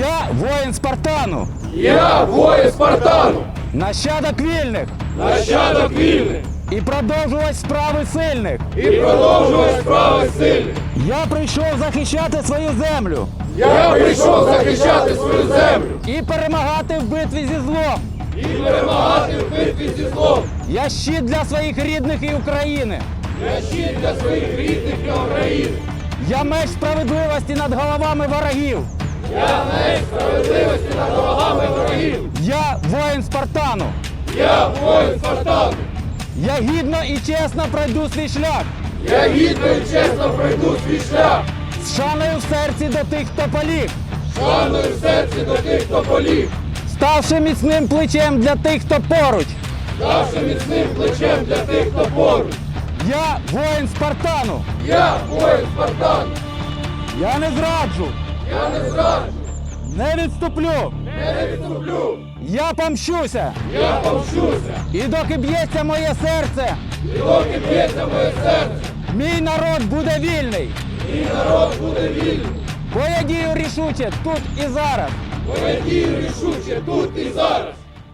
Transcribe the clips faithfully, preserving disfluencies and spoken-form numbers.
Я воїн Спартану, Я воїн Спартану, нащадок вільних нащадок вільних і продовжувач справи сильних. і продовжувач справи сильних. Я прийшов захищати свою землю Я прийшов захищати свою землю і перемагати в битві зі злом. і перемагати в битві зі злом. Я щит для своїх рідних і України. Я щит для своїх рідних і України. Я меч справедливості над головами ворогів. Я меч справедливості над ворогами ворогів. Я воїн Спартану. Я воїн Спартану. Я гідно і чесно пройду свій шлях. Я гідно і чесно пройду свій шлях. З шаною в серці до тих, хто поліг. Шаною в серці до тих, хто поліг. Ставши міцним плечем для тих, хто поруч. Ставши міцним плечем для тих, хто поруч. Я воїн Спартану. Я воїн Спартану. Я не зраджу, Я не зраджу, не відступлю. не відступлю. Я помщуся. Я помщуся. І доки б'ється моє серце, І доки б'ється моє серце, мій народ буде вільний. мій народ буде вільний. Бо я дію рішуче тут і зараз. Бо я дію рішуче тут і зараз.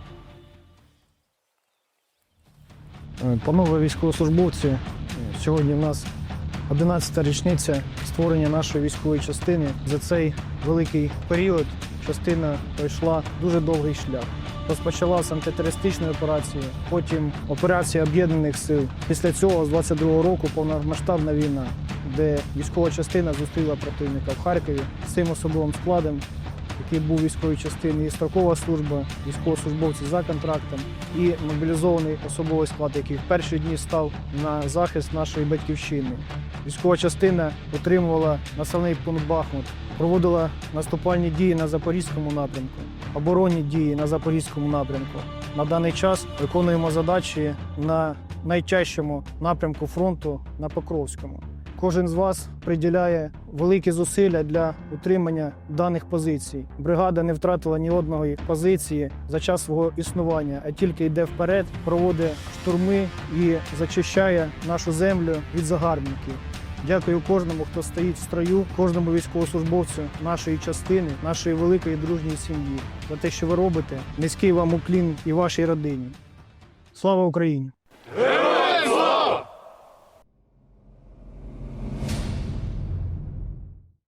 Панове військовослужбовці, сьогодні в нас одинадцята річниця створення нашої військової частини. За цей великий період частина пройшла дуже довгий шлях. Розпочала з антитерористичної операції, потім операція Об'єднаних сил. Після цього, з двадцять другого року, повномасштабна війна, де військова частина зустріла противника в Харкові з цим особовим складом, який був військової частини, і строкова служба, військовослужбовці за контрактом, і мобілізований особовий склад, який в перші дні став на захист нашої батьківщини. Військова частина отримувала населений пункт Бахмут, проводила наступальні дії на Запорізькому напрямку, оборонні дії на Запорізькому напрямку. На даний час виконуємо задачі на найтяжчому напрямку фронту на Покровському. Кожен з вас приділяє великі зусилля для утримання даних позицій. Бригада не втратила ні одної позиції за час свого існування, а тільки йде вперед, проводить штурми і зачищає нашу землю від загарбників. Дякую кожному, хто стоїть в строю, кожному військовослужбовцю нашої частини, нашої великої дружньої сім'ї. За те, що ви робите, низький вам уклін і вашій родині. Слава Україні!